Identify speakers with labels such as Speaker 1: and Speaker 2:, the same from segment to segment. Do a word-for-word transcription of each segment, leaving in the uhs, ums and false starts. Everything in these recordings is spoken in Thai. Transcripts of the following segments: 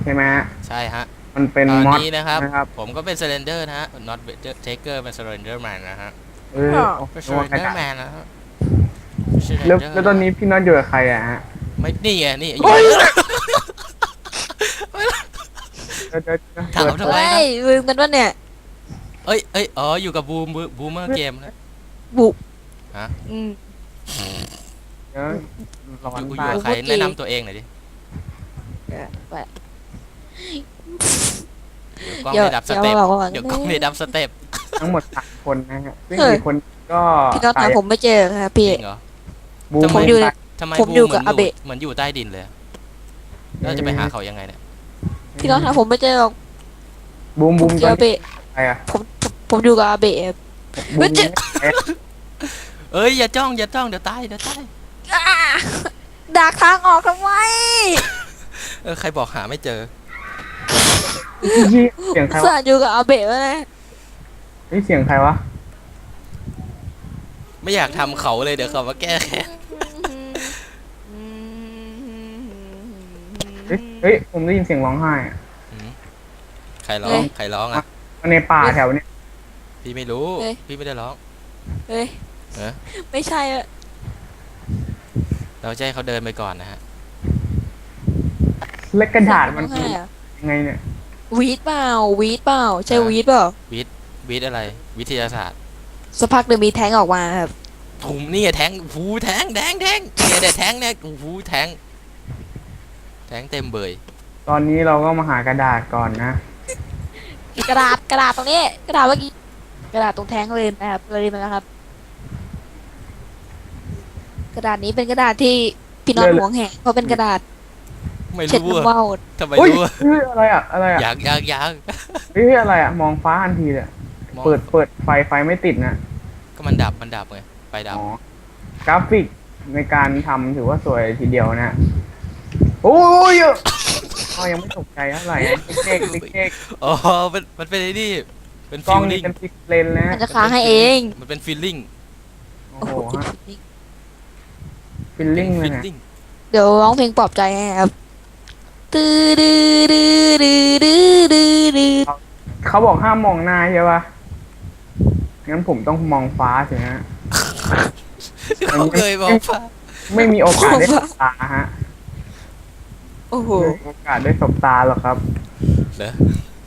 Speaker 1: ช่ไหมฮะ
Speaker 2: ใช่ฮะ
Speaker 1: มันเป็น
Speaker 2: ตอน
Speaker 1: มอด
Speaker 2: นี้นะครับ
Speaker 1: นะครับ
Speaker 2: ผมก็เป็น Slender นะฮะ not Taker เป็น Slender Man นะฮะ
Speaker 1: เออโอ้
Speaker 2: เป็น
Speaker 1: นึกว่ากระ
Speaker 2: Slender
Speaker 1: ดาษ
Speaker 2: Man นะฮะ
Speaker 1: แล้ว
Speaker 2: Slender
Speaker 1: แล้วต
Speaker 2: นะฮะ
Speaker 1: อนนี้พี่น็อตอยู่กับใครอะฮะ
Speaker 2: ไม่นี่ไงนี่อยู่
Speaker 1: โอ้ย
Speaker 2: ไหน
Speaker 1: เดี๋ยวเดี๋ยวเดี๋ยว
Speaker 2: ถามทำ
Speaker 1: เปิดเปิด
Speaker 2: ไม
Speaker 3: เฮ้
Speaker 2: ครับ
Speaker 3: ยลืมกันวะเนี่ย
Speaker 2: เอ้ยเอ้ยอ๋ออยู่กับบูมบูมเมอร์เกมนะ
Speaker 3: บุ
Speaker 2: ฮะ
Speaker 3: อืม
Speaker 1: เดี๋ยวร้อ
Speaker 2: อยู่อ
Speaker 1: นตาย
Speaker 2: ยู่กับใครแนะนำตัวเองหน่อยดิ
Speaker 3: เดี๋ยวไป
Speaker 2: เดี๋ยวกล้อง
Speaker 3: เดี๋ยว
Speaker 2: ได้ดับส
Speaker 3: เดี๋ยว
Speaker 2: เต็ป
Speaker 3: บอกก่อน
Speaker 2: เดี๋ยวกล้องได้ดับสเต็ป
Speaker 1: ทั้งหมดสามคนนะฮะซึ่ง
Speaker 3: เฮ้ย
Speaker 1: อีกคนก็
Speaker 3: พี่น็อต
Speaker 1: ตา
Speaker 3: หายผมไม่เจอครับพี่
Speaker 2: จริงเหรอ
Speaker 1: บูม
Speaker 2: ทำไม
Speaker 3: ผมอยู่ใน
Speaker 1: ตาย
Speaker 2: ทำไม
Speaker 3: ผม
Speaker 2: บู
Speaker 3: อยู่
Speaker 2: มเหมื
Speaker 3: กั
Speaker 2: อบ น
Speaker 3: อา
Speaker 2: อยู่
Speaker 3: เบะ
Speaker 2: เหมือนอยู่ใต้ดินเลยเราจะไปหาเขายังไงเนี่ย
Speaker 3: พี่น็อตหาผมไม่เจอหรอก
Speaker 1: บูม
Speaker 3: ผ
Speaker 1: บู
Speaker 3: ม
Speaker 1: ม
Speaker 3: เจ
Speaker 1: ตอ
Speaker 3: อน อา
Speaker 1: นี้
Speaker 3: เบะ
Speaker 1: ใครอะ
Speaker 3: ผมผมผมอยู่กับอาเบะครับ
Speaker 1: บูม
Speaker 3: เฮ้ยเจ๊
Speaker 1: ใครอะ
Speaker 2: เอ้ยอย่าจ้องอย่าจ้องเดี๋ยวตายเดี๋ยวตาย
Speaker 3: อ่าดักทางออกทำไม
Speaker 2: เออใครบอกหาไม่เจอ
Speaker 1: พี่เสียงใคร
Speaker 3: สาว
Speaker 1: ะ
Speaker 3: ดอยู่กับอาเบะวะนะ
Speaker 1: เฮ้ยเสียงใครวะ
Speaker 2: ไม่อยากทำเขาเลยเดี๋ยวเขามาแก้แค้น
Speaker 1: เฮ้ยเฮ้ยผมได้ยินเสียงร้องไห้อะ
Speaker 2: ใครร้องใครร้องอ่ะ
Speaker 1: ในป่าแถวเนี้ย
Speaker 2: พี่ไม่รู้พี่ไม่ได้ร้อง
Speaker 3: เฮ้ย
Speaker 2: เออ
Speaker 3: ไม่ใช่อะ
Speaker 2: เราจะให้เขาเดินไปก่อนนะฮะ
Speaker 1: และกระดาษมัน
Speaker 3: เสียงร้องไห้อะ
Speaker 1: ยังไงเนี่ย
Speaker 3: วีดเปล่าวีดเปล่าใช่วีดเปล่า
Speaker 2: วิทย์วิทย์อะไรวิทยาศาสตร์
Speaker 3: สักพักเดี๋ยวมีแท้งออกมาครับ
Speaker 2: ถุงนี่ไงแทงหูแทงแทงแทงเนี่ยเดี๋ยวแทงเนี่ยหูแทงแทงเต็มเบย
Speaker 1: ตอนนี้เราก็มาหากระดาษก่อนนะ
Speaker 3: กระดาษกระดาษตรงนี้กระดาษเมื่อกี้กระดาษตรงแท้งเลยนะครับเลยมาแล้วครับ กระดาษนี้เป็นกระดาษที่พี่น็อต
Speaker 1: เลย
Speaker 3: หวงแหนเพราะเป็นกระดาษ
Speaker 2: ไม่
Speaker 3: เช็ด
Speaker 2: รู้
Speaker 3: น้ำ
Speaker 2: อะ
Speaker 3: ว่าว
Speaker 2: ทำไม
Speaker 1: เฮ้ย
Speaker 2: รู้อะ
Speaker 1: เฮ้ยอะไรอะอะไรอะ
Speaker 2: อยากอยากอยาก
Speaker 1: เฮ้ยอะไรอะมองฟ้าทันทีเลย
Speaker 2: มอง
Speaker 1: เปิดเปิดไฟไฟไม่ติดนะ
Speaker 2: ก็มันดับมันดับไงไฟดับ
Speaker 1: อ๋อกราฟิกในการทำถือว่าสวยทีเดียวนะโอ้ยอ๋อยังไม่ตกใจเท่าไหร่อะเด็กๆเด็ก
Speaker 2: อ๋อมันมันเป็นไอ้นี่เป็น
Speaker 1: ๆกล้
Speaker 2: ฟี
Speaker 1: อง
Speaker 2: ล
Speaker 1: นี่
Speaker 2: ลิ่ง
Speaker 1: เป็นพิกเลนนะ
Speaker 3: มันจะค้างให้เอง
Speaker 2: มันเป็นฟีลลิ่ง
Speaker 1: โอ้
Speaker 3: โอ้
Speaker 1: โห
Speaker 3: โห
Speaker 1: ฮะฟิลลิ่งเลยนะ
Speaker 2: ลิ่ง
Speaker 3: เดี๋ยวร้องเพลงปลอบใจให้ครับตื้อดื้อดื้อดื้อดื้อดื้อดื้อ
Speaker 1: เขาบอกห้ามมองหน้าใช่ปะงั้นผมต้องมองฟ้าสิฮะ
Speaker 2: เขาเคยบอกว่า
Speaker 1: ไม่มีโอกาสได้สบตาฮะ
Speaker 3: โอ้โห
Speaker 1: ไม่มีโอกาสได้สบตาหรอกครับ
Speaker 2: เหรอ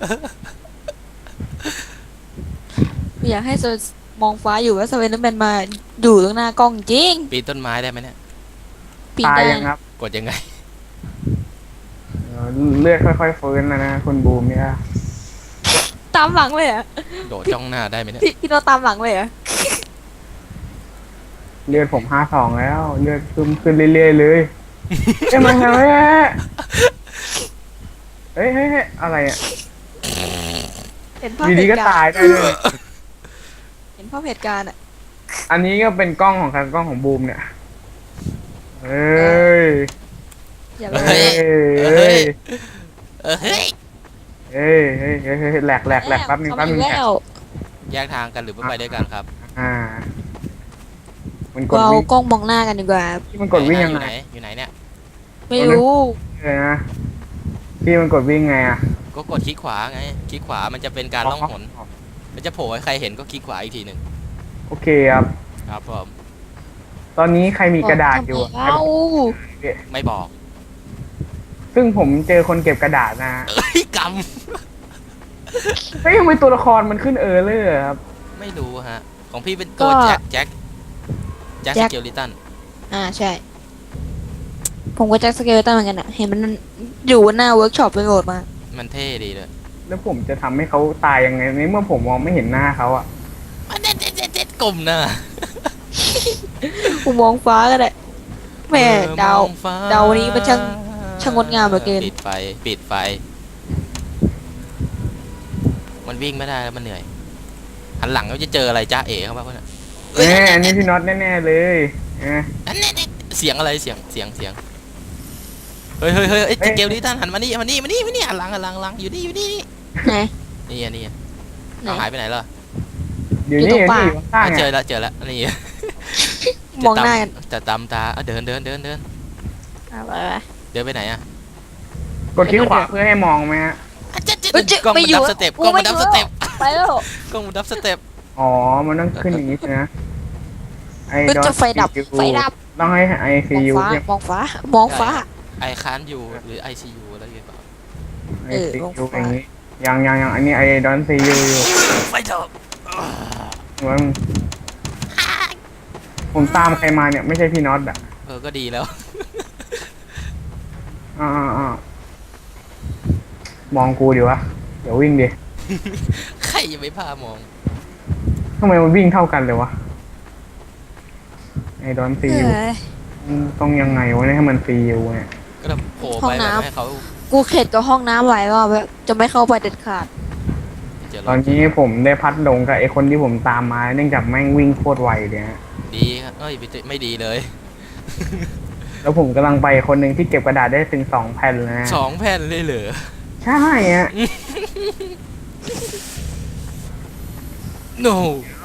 Speaker 3: อยากให้โซมองฟ้าอยู่ว่าสเวนเดอร์แมนมาอยู่ตรงหน้ากล้องจริง
Speaker 2: ปีนต้นไม้ได้ไหมเนี่ย
Speaker 3: ปีน
Speaker 1: ตาย
Speaker 3: ได้
Speaker 1: ยังครับ
Speaker 2: กดยังไง
Speaker 1: เออเลือดค่อยๆฟื้นแล้วนะคุณบูมเนี่ย
Speaker 3: ตามหลังเลยเหรอ่ะ
Speaker 2: โดดจ้องหน้าได้ไหมเนี่ย
Speaker 3: พี่พี่โนตตามหลังเลยเหรอ่ะ
Speaker 1: เลือดผมห้าสองแล้ว เลือดขึ้นขึ้นเรื่อยๆเลยเอ้ยมันทำไมเฮ้ยเฮ้ยเฮ้ยอะไรอ่ะ
Speaker 3: เห็นภาพ
Speaker 1: อยู่
Speaker 3: เห
Speaker 1: ดีก็
Speaker 3: ตุการ
Speaker 1: ตาย
Speaker 3: ณ์
Speaker 1: ได้เลย
Speaker 3: เห็นภาพเหตุการณ์อ่ะ
Speaker 1: อันนี้ก็เป็นกล้องของใครกล้องของบูมเนี่ยเอ้ย
Speaker 3: อย่า
Speaker 2: เฮ้
Speaker 3: เลย
Speaker 2: ย
Speaker 1: เอ้ย
Speaker 2: เออเฮ้ย
Speaker 1: เอ้ยเฮ้ยเฮ้ยเฮ้ยแหลกแหลกแหลกแป๊บนึง
Speaker 3: เขา
Speaker 1: แป๊บนึง
Speaker 3: มา
Speaker 1: แหล
Speaker 3: แล้
Speaker 1: ก
Speaker 3: ว
Speaker 2: แยกทางกันหรือว่าไปด้วยกันครับ
Speaker 1: อ่า มันกด
Speaker 3: เรา
Speaker 1: วิ่ง
Speaker 3: กล้องมองหน้ากันดีกว่า
Speaker 1: ที่มันกดวิ่งยัง
Speaker 2: อยู่
Speaker 1: ไง
Speaker 2: ไหนอยู่ไหนเนี่ย
Speaker 3: ไม่รู้
Speaker 1: เลยนะที่มันกดวิ่งไงอ่ะ
Speaker 2: ก็กดคลิกขวาไงคลิกขวามันจะเป็นการล่องหนมันจะโผล่ให้ใครเห็นก็คลิกขวาอีกทีหนึ่ง
Speaker 1: โอเคครับ
Speaker 2: ครับผม
Speaker 1: ตอนนี้ใครมีกระดาษอยู่อะ
Speaker 3: เอา
Speaker 2: ไม่บอก
Speaker 1: ซึ่งผมเจอคนเก็บกระดาษนะ
Speaker 2: เอ้ยก
Speaker 1: เฮ้ยทำไมตัวละครมันขึ้นเออเลยอะครับ
Speaker 2: ำไม่รู้ฮะของพี่เป็นตัวแจ็คแจ็คแจ็คสเกลลิตัน
Speaker 3: อ่าใช่ ผมก็แจ็คสเกลตันเหมือนกันอ่ะ เห็นมันอยู่หน้าเวิร์กช็อปไปโหลดมา
Speaker 2: มันเท่ดีเลย
Speaker 1: แล้วผมจะทำให้เขาตายยังไงในเมื่อผมมองไม่เห็นหน้าเขาอ่ะ
Speaker 2: มันเด็ดเด็ดเด็ดเด็ดกลมนะ
Speaker 3: กูมองฟ้าก็ได้แหม่ดาว
Speaker 2: มองฟ้
Speaker 3: ดาวนี้มันช่างช่างงดงามเหลือเกิน
Speaker 2: ปิดไฟปิดไฟ มันวิ่งไม่ได้แล้วมันเหนื่อยหันหลังก็จะเจออะไรจ้าเอ๋เข้ามาเพื่อน
Speaker 1: แน่อันนี้พี่น็อตแน่ๆเลยเอ๊ะ
Speaker 2: อันนี้เสียงอะไรเสียงเสียงเสียงเฮ้ยเฮ้ยเฮ้ยไอ้เกลลิตันหันมานี่มานี่มานี่มานี่หันหลังหันหลังหลังอยู่นี่อยู่นี่นี่
Speaker 3: ไหน
Speaker 2: นี่อ่ะนี่อ่ะ
Speaker 3: ไหน
Speaker 2: เอาหายไปไหนล่ะ
Speaker 1: อยู่
Speaker 3: อยู่
Speaker 1: นี่
Speaker 3: ตรงป่า
Speaker 1: ที่อยู่ข้าง
Speaker 2: อ่ะ
Speaker 1: ๆ
Speaker 2: เจอ
Speaker 1: อ่ะ
Speaker 2: แล้วเจอแล้วนี่
Speaker 3: มองหน้ากัน
Speaker 2: จะตำตาอ่ะเดินเดินเดินเดิน
Speaker 3: อ่ะไปไป
Speaker 2: เดินไปไหนอ่ะ
Speaker 1: กดคลิกขวาเพื่อให้มองไหมฮะ
Speaker 2: อ่ะเจ๊เจ๊
Speaker 3: เฮ้ยเจ๊
Speaker 2: กล้อง
Speaker 3: ไม่
Speaker 2: มัน
Speaker 3: อยู่
Speaker 2: ดับ
Speaker 3: อะ
Speaker 2: สเต็ป
Speaker 3: กู
Speaker 2: กล้อง
Speaker 3: ไม่
Speaker 2: มันดับ
Speaker 3: อยู่
Speaker 2: สเต็ป
Speaker 3: ไปแล้ว
Speaker 2: กล้องมันดับสเต็ป
Speaker 1: อ๋อมันต้องขึ้นอย่างนี้ใช่ไหมไอ้
Speaker 3: เฮ้ย
Speaker 1: ดอ
Speaker 3: จะไฟดับไฟดับ
Speaker 1: ต้องให้ไอซี
Speaker 3: มอง
Speaker 1: ยู
Speaker 3: ฟ้ามองฟ้ามองฟ้า
Speaker 2: ไอค้านอยู่หรือไอซียูอะไรอย่างเงี้ยเปล่า
Speaker 1: ไอ
Speaker 3: เออ
Speaker 1: ซี
Speaker 3: มอง
Speaker 1: ยู
Speaker 3: ฟ้า
Speaker 1: อย่างนี้ยังยังยังอันนี้ไอดอนซียูอยู่
Speaker 2: ไฟดับ
Speaker 1: มึงผมตามใครมาเนี่ยไม่ใช่พี่น็อตอ่ะ
Speaker 2: เออก็ดีแล้ว
Speaker 1: อ่าอ่าอ่า มองกูดิวะ เดี๋ยววิ่งดิ
Speaker 2: ใครยังไม่พามอง
Speaker 1: ทำไมมันวิ่งเท่ากันเลยวะ ไอดอนซี
Speaker 3: เอ
Speaker 1: ยู
Speaker 3: อ
Speaker 1: ต้องยังไงวะเนี่ยให้มันซียูเนี่ย
Speaker 2: ก็ต้องโผล่
Speaker 3: ห้อ
Speaker 2: ไป
Speaker 3: ง
Speaker 2: แบบ
Speaker 3: น้ำ
Speaker 2: ให้เขา
Speaker 3: กูเข็ดกับห้องน้ำหลายรอบแล้วจะไม่เข้าไปเด็ดขาด
Speaker 2: เจอ
Speaker 1: ตอนนี้ผมได้พัดหลงกับไอคนที่ผมตามมา เนื่องจากแม่งวิ่งโคตรไวเลยฮะ
Speaker 2: ดีครับเอ้ยไม่ไม่ดีเลย
Speaker 1: แล้วผมกำลังไปคนหนึ่งที่เก็บกระดาษได้ถึงสองแผ่นเลยนะ
Speaker 2: สองแผ่นเลยเหรอ
Speaker 1: ใช่ฮะ
Speaker 2: no
Speaker 1: เอา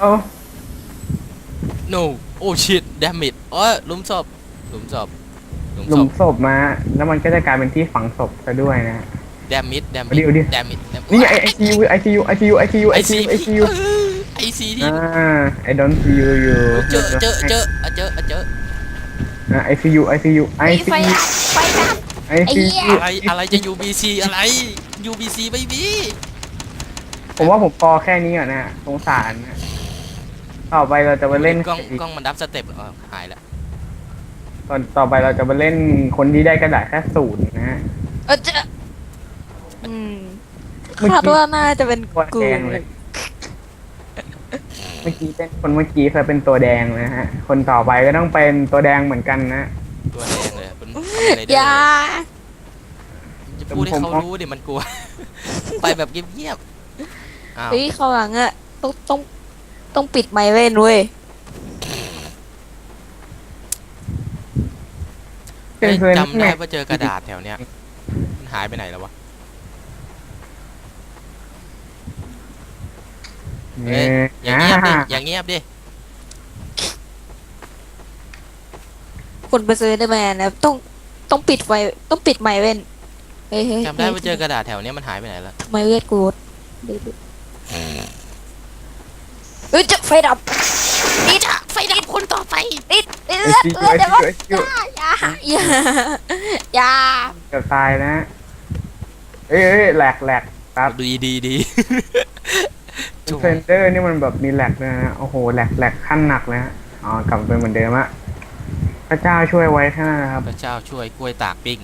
Speaker 2: no โอ้ shit damn it อ๋อหลุมศพหลุมศพหลุม
Speaker 1: หลุ
Speaker 2: ศ
Speaker 1: ม
Speaker 2: พ
Speaker 1: ศพมา แล้วมันก็จะกลายเป็นที่ฝังศพซะด้วยนะ
Speaker 2: damn it damn
Speaker 1: เอาดิ
Speaker 2: it
Speaker 1: เอาดิ
Speaker 2: damn it damn it
Speaker 1: นี่ไอไอซียูไอซียูไอซียูไอซียู
Speaker 2: ไอ
Speaker 1: ไอ
Speaker 2: ซี
Speaker 1: ซียูไอซียู
Speaker 2: ไอซีที่
Speaker 1: อ่าไอดอนซียูอยู่
Speaker 2: เจอเจอเจออ่ะเจออ่ะเจอ
Speaker 1: ไอซียูไอซียูไอ
Speaker 3: ไอ้
Speaker 1: ซี
Speaker 3: ไฟ
Speaker 1: ยู
Speaker 3: ดับไฟดับ
Speaker 1: ไอซี
Speaker 3: ไอ้เหี้
Speaker 1: ยู
Speaker 3: ย
Speaker 2: อะไรอะไรจะ ยู บี ซี อะไร ยู บี ซี ไม่มี
Speaker 1: ผมว่าผมพอแค่นี้ก่อนนะสงสารนะต่อไปเราจะไปเล่น
Speaker 2: กล้องกล้องมันดับสเต็ปเหรอหายแล้ว
Speaker 1: ตอนต่อไปเราจะไปเล่นคนที่ได้กระดาษแค่ศูนย์นะฮะ
Speaker 3: เออจะอืมคาดว่าน่าจะเป็น
Speaker 1: ตัว
Speaker 3: กู
Speaker 1: แดงเลย เมื่อกี้เป็นคนเมื่อกี้เคยเป็นตัวแดงนะฮะ คนต่อไปก็ต้องเป็นตัวแดงเหมือนกันนะ
Speaker 2: ตัวแดงเลยเป็นอะไร
Speaker 3: อย่า
Speaker 2: จะพูดให้เขารู้ดิมันกลัว ไปแบบเงียบๆอ้าว
Speaker 3: เฮ้ยเขาวหลังอะต้องต้องต้องปิดไมค์เว้นเว้ย
Speaker 2: เฮ้ย
Speaker 1: เพื่อนๆ
Speaker 2: จำได้ว่าเจอกระดาษแถวเนี้ยมันหายไปไหนแล้ววะ
Speaker 1: เอ
Speaker 2: เฮ้ย
Speaker 1: อ
Speaker 2: อย่างเงียบดิอย่างเงียบดิ
Speaker 3: คนไปซื้อได้ไหมนะต้องต้องปิดไฟต้องปิดไมค์เว้นเฮ้ยเฮ้ย
Speaker 2: จำได้ว่าเจอกระดาษแถวเนี้ยมันหายไปไหนแล้ว
Speaker 3: ทำไมเวทกูลดเดี๋ยวดูเฮ้ยจะไฟดับนี่จะไฟดับคนต่อไปติดติด
Speaker 1: ไอ
Speaker 3: เลือด
Speaker 1: ซี
Speaker 3: เลือดเดี๋ยว
Speaker 1: ไอซี
Speaker 3: อย่าอย่าอย่า
Speaker 1: เกือบตายนะ เอ้ยเอ้ยแหลกแหลกครับ
Speaker 2: ดีดีดี จุ๊บ
Speaker 1: เซนเดอร์นี่มันแบบมีแหลกเลยนะ โอ้โหแหลกแหลกขั้นหนักเลยฮะอ๋อกลับไปเหมือนเดิมอะพระเจ้าช่วยไว้แค่นั้นนะครับ
Speaker 2: พระเจ้าช่วยกล้วยตากปิ้ง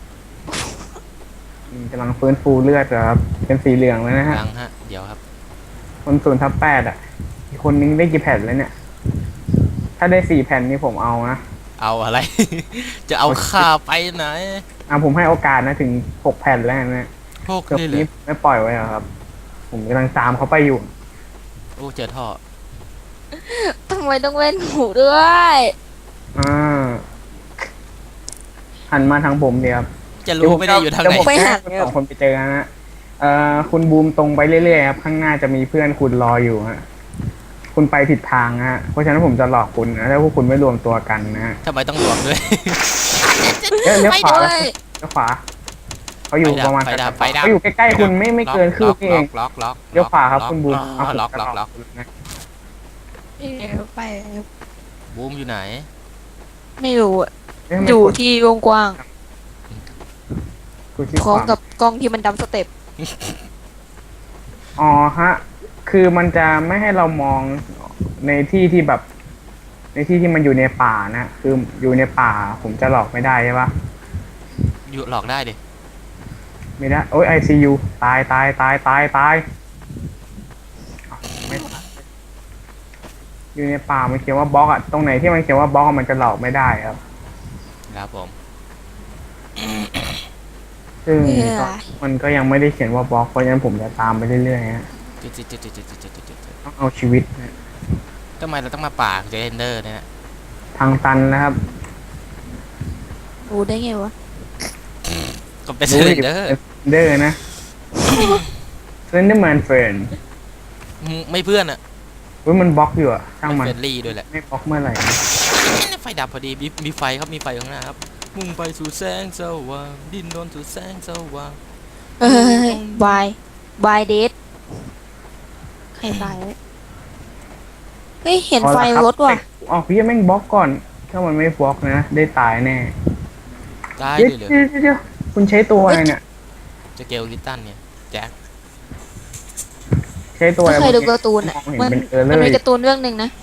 Speaker 1: อืมกำลังฟื้นฟูเลือดเหรอครับ เป็นสีเหลืองแล้วนะฮะ
Speaker 2: ยังฮะ เดี๋ยวครับ
Speaker 1: คนศูนย์ทับแปดอ่ะ อีกคนนึงได้กี่แผ่นแล้วเนี่ย ถ้าได้สี่แผ่นนี่ผมเอานะ
Speaker 2: เอาอะไร จะเอาข้าไปไหน
Speaker 1: อ่ะผมให้โอกาสนะถึงหกแผ่นแล้วนะ
Speaker 2: โชค
Speaker 1: เกือบ
Speaker 2: นี่เล
Speaker 1: นี้
Speaker 2: ย
Speaker 1: ไม่ปล่อยไว้หรอครับ ผมกำลังตามเขาไปอยู่
Speaker 2: โอ้เจอท่อ
Speaker 3: ทำไมต้องเว้นหูด้วย
Speaker 1: อ่า หันมาทางผมเดียวครับ
Speaker 2: จะรู้ไม่ได้อยู่ทางไหน
Speaker 1: เดี๋วผมจะให้คุณสองคนไปเจอกันนะเอ่อคุณบูมตรงไปเรื่อยๆครับ ข้างหน้าจะมีเพื่อนคุณรออยู่ฮะ คุณไปผิดทางฮะ เพราะฉะนั้นผมจะหลอกคุณนะถ้าพวกคุณไม่รวมตัวกันนะฮะ
Speaker 2: ทำไมต้องรวมด้วย
Speaker 1: เอ้ยเลี้ยว
Speaker 3: ไม่
Speaker 1: ขวา
Speaker 3: ด้วย
Speaker 1: เลี้ยวขวาเขาอยู่ประมาณ
Speaker 2: ไฟดับไฟดับ
Speaker 1: เขาอยู่ใกล้ๆคุณไม่ไม่เกินคืบนี่เอง
Speaker 2: ล็อกล็อก
Speaker 1: เลี้ยวขวาครับคุณบูม
Speaker 2: อ๋อล็อกล็อกล็อก
Speaker 1: นะ
Speaker 3: ไป
Speaker 2: บูมอยู่ไหน
Speaker 3: ไม่รู้อะ
Speaker 1: เะทำไม
Speaker 3: อยู่
Speaker 1: กด
Speaker 3: ที่วงกว้าง
Speaker 1: กดที่
Speaker 3: พร้อม
Speaker 1: ขวา
Speaker 3: กับกล้องที่มันดำสเต็ป
Speaker 1: อ๋อฮะ คือมันจะไม่ให้เรามองในที่ที่แบบ ในที่ที่มันอยู่ในป่านะ คืออยู่ในป่า ผมจะหลอกไม่ได้ใช่ปะ
Speaker 2: อยู่หลอกได้ดิ
Speaker 1: ไม่ได้ โอ้ยไอซียูตายตายตายตายตายอ้าวไม่ตายอยู่ในป่ามันเขียนว่าบล็อกอะตรงไหนที่มันเขียนว่าบล็อกอะมันจะหลอกไม่ได้ครับ
Speaker 2: ครับผม
Speaker 1: ซึ่ง
Speaker 3: เออ
Speaker 1: ก็มันก็ยังไม่ได้เขียนว่าบล็อก เพราะฉะนั้นผมจะตามไปเรื่อยๆฮะ
Speaker 2: จุดจุดจุดจุดจุดจุดจุดจุด
Speaker 1: ต้องเอาชีวิตนะ
Speaker 2: ทำไมเราต้องมาป่าเจนเดอร์เนี่ย
Speaker 1: ทางตันนะครับ
Speaker 3: รู้ได้ไงวะ
Speaker 2: ก็เป็นเจนเดอร์
Speaker 1: เดอร์นะเซนเดอร์แมนเฟรน
Speaker 2: ไม่เพื่อนอะ
Speaker 1: เว้ยมันบล็อกอยู่อะช่างมัน
Speaker 2: เฟรนลี่ด้วยแหละ
Speaker 1: ไม่บล็อกเมื่อไหร่นะ
Speaker 2: ไฟดับพอดีมีมีไฟครับมีไฟข้างหน้าครับมุ่งไปสู่แสงสว่างดิ้นรนสู่แสงสว่าง
Speaker 3: เฮ้ยบายบายเดทใครตายวะเฮ้ยเห็นไฟรถว่ะ
Speaker 1: อ๋อพี่แม่งบล็อกก่อน ถ้ามันไม่บล็อกนะ ได้ตายแน่
Speaker 2: ตาย
Speaker 1: เดี๋ยว
Speaker 2: เลยเหรอ
Speaker 1: เดี๋ยวเดี๋ยวคุณใช้ตัวอะไรเนี่ย
Speaker 2: จะเกลลิตันเนี่ยแจ็ค
Speaker 1: ใช้ตัวอะไร
Speaker 3: ถ้าเคยดูการ์ตูน
Speaker 1: ม
Speaker 3: อ่ะ
Speaker 1: องเห็น
Speaker 3: มัน
Speaker 1: เป็นเออร์เล
Speaker 3: มัน
Speaker 1: อ
Speaker 3: มี
Speaker 1: ร์
Speaker 3: การ์ตูนเรื่องหนึ่งนะ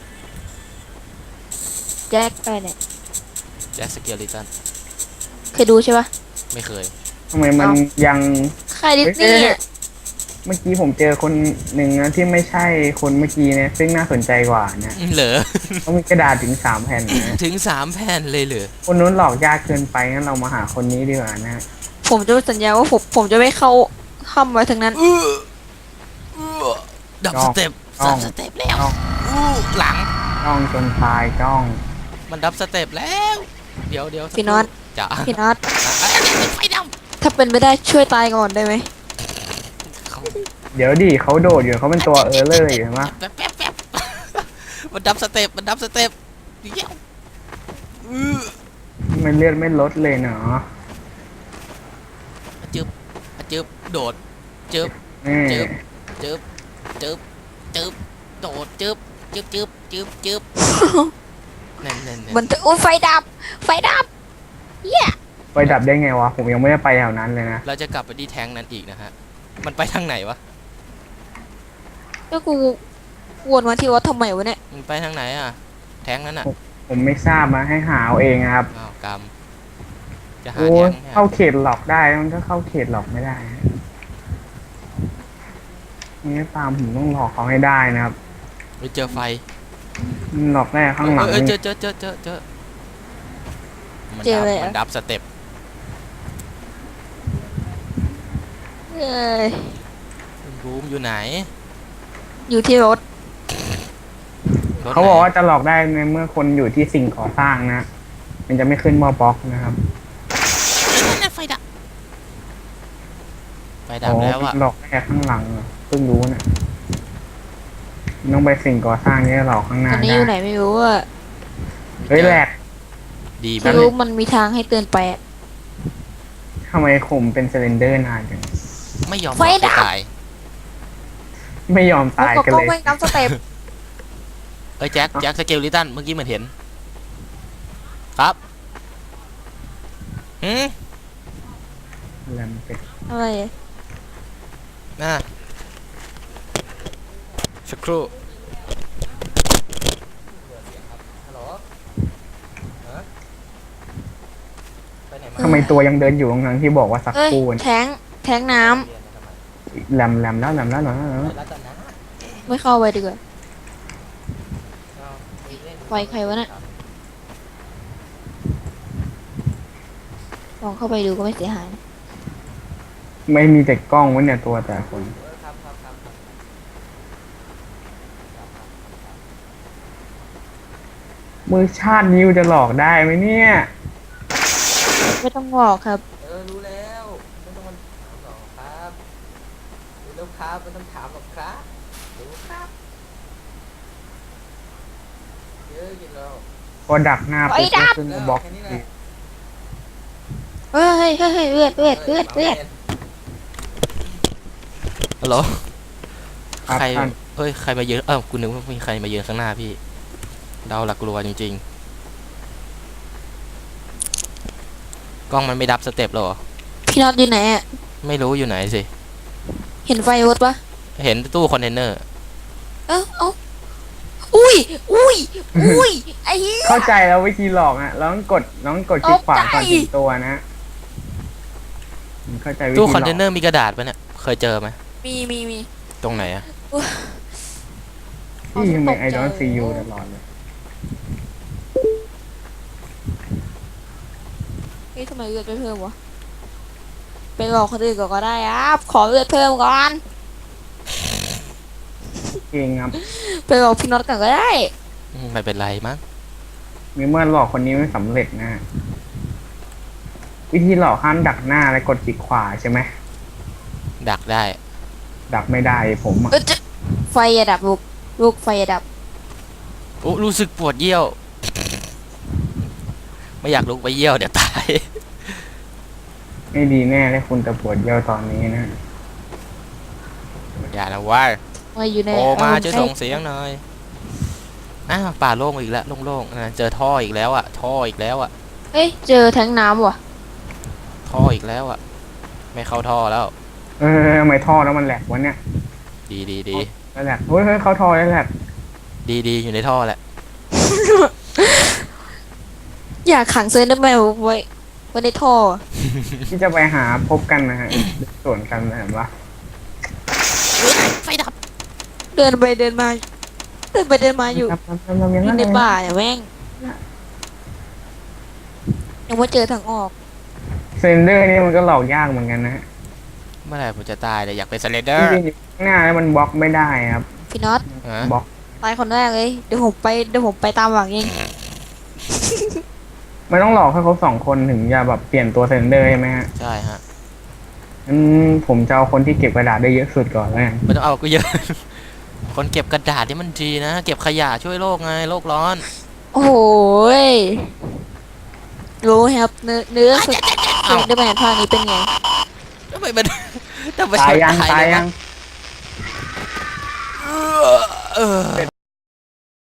Speaker 3: แจ็คไปเนี่ย
Speaker 2: แจ็คสเกลลิตัน
Speaker 3: เคยดูใช่ปะ
Speaker 2: ไม่เคย
Speaker 1: ทำไมมันยัง
Speaker 3: ใครดิสนีย์อะ
Speaker 1: เมื่อกี้ผมเจอคนหนึ่งนะที่ไม่ใช่คนเมื่อกี้เนี่ยซึ่งน่าสนใจกว่านะ
Speaker 2: เหรอ
Speaker 1: เขามีกระดาษถึงสามแผ่นนะ
Speaker 2: ถึงสามแผ่นเลยเหรอ
Speaker 1: คนนู้นหลอกยากเกินไปงั้นเรามาหาคนนี้ดีกว่านะ
Speaker 3: ผมจะสัญญาว่าผมผมจะไม่เข้าเข้ามาถึงนั้น
Speaker 2: อื้ออื้อดับสเต็ป
Speaker 1: จ้อง
Speaker 2: ดับสเต็ปแล้ว
Speaker 1: จ้อง
Speaker 2: อู้หลัง
Speaker 1: จ้องจนตายจ้อง
Speaker 2: มันดับสเต็ปแล้ว เดี๋ยวเดี๋ยว
Speaker 3: พี่น็อต
Speaker 2: จ๋า
Speaker 3: พี่น็อต
Speaker 2: อ่ะอ่ะอ่ะไฟด
Speaker 3: ถ้าเป็นไปได้ช่วยตายก่อนได้ไหม
Speaker 2: ำเขา
Speaker 1: เดี๋ยวดิเขาโดดอยู่เขาเป็นตัวเออร์เลอร์อยู่เห็นปะ
Speaker 2: แป๊บแป๊บแป๊บมันดับสเต็ปมันดับสเต็ปเดี๋ยวอื้อ
Speaker 1: มันเลือดไม่ลดเลยเนาะ
Speaker 2: จึ๊บจึ๊บโดดจึ๊บ
Speaker 1: นี่
Speaker 2: จึ๊บ จึ๊บจึ๊บจึ๊บโดดจึ๊บจึ๊บจึ๊บจึ๊บจึ๊บนั่นนั่นนั่น
Speaker 3: มันโอ้ยไฟดับ ไฟดับเหี้ย
Speaker 1: ไปดับได้ไงวะผมยังไม่ได้ไปแถวนั้นเลยนะ
Speaker 2: เราจะกลับไปที่แทงนั้นอีกนะฮะ มันไปทางไหนวะ
Speaker 3: ก็กูวนมาที่วัดทำไมวะเนี่ย
Speaker 2: มันไปทางไหนอ่ะ แทงนั้นอ่ะ
Speaker 1: ผมไม่ทราบมาให้หาเอาเองครับ
Speaker 2: อ้าวกรรมจะหา
Speaker 1: โอ้
Speaker 2: แท
Speaker 1: ย
Speaker 2: งเนี่ย
Speaker 1: เข้าเขตหลอกได้มันก็เข้าเขตหลอกไม่ได้นะนี่ตามผมต้องหลอกเขาให้ได้นะครับ
Speaker 2: ไปเจอไฟ
Speaker 1: มันหลอกได้ข้างหลัง
Speaker 2: เออเออเจอเจอเจอเจอเจอมัน
Speaker 3: เจอ
Speaker 2: ดับ
Speaker 3: เลยเหรอ
Speaker 2: มันดับสเต็ป
Speaker 3: เอ้ย
Speaker 2: รูมอยู่ไหน
Speaker 3: อยู่ที่รถ
Speaker 2: รถ
Speaker 1: เขาบอก
Speaker 2: ไหน
Speaker 1: ว่าจะหลอกได้ในเมื่อคนอยู่ที่สิ่งก่อสร้างนะ มันจะไม่ขึ้นมอบล็อกนะครับ
Speaker 2: นั่นน่ะไฟดับ ไฟดับ
Speaker 1: อ๋อ
Speaker 2: แล้วอ่ะ
Speaker 1: หลอกได้ข้างหลังเหรอเพิ่งรู้เนี่ยต้องไปสิ่งก่อสร้างนี่หลอกข้างห
Speaker 3: ต
Speaker 1: น้า
Speaker 3: อนนี้
Speaker 1: ได้
Speaker 3: อยู่ไหนไม่รู้อะ
Speaker 1: เฮ้ยแหลก
Speaker 2: ดี
Speaker 3: ไม่
Speaker 2: มาก
Speaker 3: รู้มันมีทางให้เตือนไปอะ
Speaker 1: ทำไมผมเป็นเซเลนเดอร์นานจัง
Speaker 2: ไม่ยอม
Speaker 3: ไฟดับ
Speaker 2: ตาย
Speaker 1: ไม่ยอม
Speaker 3: แล้ว
Speaker 1: ตาย
Speaker 3: ก็
Speaker 1: กัน
Speaker 3: ก็
Speaker 1: เลย
Speaker 3: ไม่ดับสเต็ป
Speaker 2: เอ้ยแจ็คแจ็คสเกลลิตันเมื่อกี้เหมือนเห็น ครับหืม
Speaker 1: แลมเป็ด
Speaker 3: อะไรอะ
Speaker 2: น่ะสักครู่ไปไหนมา
Speaker 1: ทำไมตัวยังเดินอยู่ตรงนั้นที่บอกว่าสัก
Speaker 3: เอ้ย
Speaker 1: ครู่
Speaker 3: แทงแทงน้
Speaker 1: แลมแลมแล้วแลมแล้วแลมแล้วแลมแล้ว
Speaker 3: ำไม่เข้าไปดีกว่าไฟใครวะเนี่ยลองเข้าไปดูก็ไม่เสียหายนะ
Speaker 1: ไม่มีแต่กล้องวะเนี่ยตัวแต่คน มือชาตินิ้วจะหลอกได้ไหมเนี่ย
Speaker 3: ไม่ต้องบอกครับ
Speaker 2: เออรู้แล้วไม่ต้องมาถามหรอกครับรู้แล้วครับไม่ต้องถามหรอกครับรู้ครับเยอะกินแล้ว
Speaker 1: พอดักหน้าปุ๊บก็ขึ้นมาบล็อกอีก
Speaker 3: เฮ้ยเฮ้ยเฮ้ยเฮ้ยเลือดเลือดเลือดเลือด
Speaker 2: ฮัลโหล
Speaker 1: ครับ
Speaker 2: ใคร
Speaker 1: ท่าน
Speaker 2: เฮ้ยใครมาเยืนเออกูนึกว่ามีใครมาเยืนข้างหน้าพี่เดาหลักกลัวจริงๆกล้องมันไม่ดับสเต็ปหรอ
Speaker 3: พี่น็อตอยู่ไหนอะ
Speaker 2: ไม่รู้อยู่ไหนสิ
Speaker 3: เห็นไฟรถปะ
Speaker 2: เห็นตู้คอนเทนเนอร์
Speaker 3: เอ้าเอ้าอุ้ยอุ้ยอุ้ยไอ้เหี้ย
Speaker 1: เข้าใจแล้ววิธีหลอกอ่ะเราต้องกดเราต้องกดคลิกขวาก่อนถึงตัวนะเข้าใจวิธีหล
Speaker 2: ตู้
Speaker 1: อก
Speaker 2: คอนเทนเนอร์มีกระดาษปะเนี่ยเคยเจอไหม
Speaker 3: มีมีมี
Speaker 2: ตรงไหนอะ
Speaker 1: ที่ยังเป็นไอดอลซียูตลอดเลย
Speaker 3: เฮ้ยทำไมเลือดไม่เพิ่มวะไปบอกคนอื่นก่อนก็ได้ครับขอเลือดเพิ่มก่อน
Speaker 1: เองครับ
Speaker 3: ไปบอกพี่น็อตก่อนก็ได้
Speaker 2: อืมไม่เป็นไรมั้ง
Speaker 1: มีเมื่อหลอกคนนี้ไม่สำเร็จนะ วิธีหลอกห้ามดักหน้าและกดคลิกขวาใช่ไหม
Speaker 2: ดักได้
Speaker 1: ดักไม่ได้ผมอ่ะ
Speaker 3: เออจะไฟอย่าดับลูกลูกไฟอย่าดับ
Speaker 2: โอ้รู้สึกปวดเยี่ยวไม่อยากลุกไปเยี่ยวเดี๋ยวตาย
Speaker 1: ไม่ดีแน่เลยคุณจะปวดเยี่ยวตอนนี้นะ
Speaker 2: อย่าละว่า
Speaker 3: มาอยู่ใน
Speaker 2: โอมา
Speaker 3: อารณ์
Speaker 2: จะส่งเสียงหน่อยอ้าวป่าโล่งอีกแล้วโล่งๆนะเจอท่ออีกแล้วอ่ะท่ออีกแล้วอ่ะ
Speaker 3: เฮ้ยเจอแทงน้ำว่ะ
Speaker 2: ท่ออีกแล้วอ่ะไม่เข้าท่อแล้ว
Speaker 1: เออทำไมท่อแล้วมันแหลกวะเนี่ย
Speaker 2: ดีดีดี
Speaker 1: มันแหลกเฮ้ยเฮ้ยเข้าท่อแล้วแหลก
Speaker 2: ดีดีอยู่ในท่อแหละ
Speaker 3: อยากขังเซนเดอร์แมนไว้ไว้ในท่อ
Speaker 1: ที่จะไปหาพบกันนะฮะส่วนกันนะเห็นปะ
Speaker 2: ไฟดับ
Speaker 3: เดินไปเดินมา เดินไปเดินมาอยู่
Speaker 1: ทำทำทำทำอย่าง
Speaker 3: อยู่
Speaker 1: นั้น
Speaker 3: ใน
Speaker 1: เลย
Speaker 3: ป่าเนี่ยแม่งยังว่าเจอทางออก
Speaker 1: เซนเดอร์นี่มันก็หลอกยากเหมือนกันนะฮะ
Speaker 2: เมื่อไหร่ผมจะตายเลยอยากเป็นสเลนเดอ
Speaker 1: ที่
Speaker 2: ร์
Speaker 1: ยืนอยู่ข้างหน้าแล้วมันบล็อกไม่ได้ครับ
Speaker 3: พี่น็อต
Speaker 2: ฮะ
Speaker 1: บล็อก
Speaker 3: ตายคนแรกเลยเดี๋ยวผมไปเดี๋ยวผมไปตามหลังเอง
Speaker 1: มันต้องหลอกให้ครบสองคนถึงจะแบบเปลี่ยนตัวเซนเดอร์ใช่ไหมฮะ
Speaker 2: ใช่ฮะ
Speaker 1: งั้นผมจะเอาคนที่เก็บกระดาษได้เยอะสุดก่อนแล้วกัน
Speaker 2: ไม่ต้องเอากูเยอะ คนเก็บกระดาษนี่มันดีนะ เก็บขยะช่วยโลกไงโลกร้อน
Speaker 3: โอ้โหยรู้ครับเนื้อเนื้อสุดเซนเดอร์แมนภาคนี้เป็นไง
Speaker 2: ทำไมมันทำไม
Speaker 1: ตายยัง
Speaker 2: มัน
Speaker 1: ตายยัง
Speaker 2: เออเออ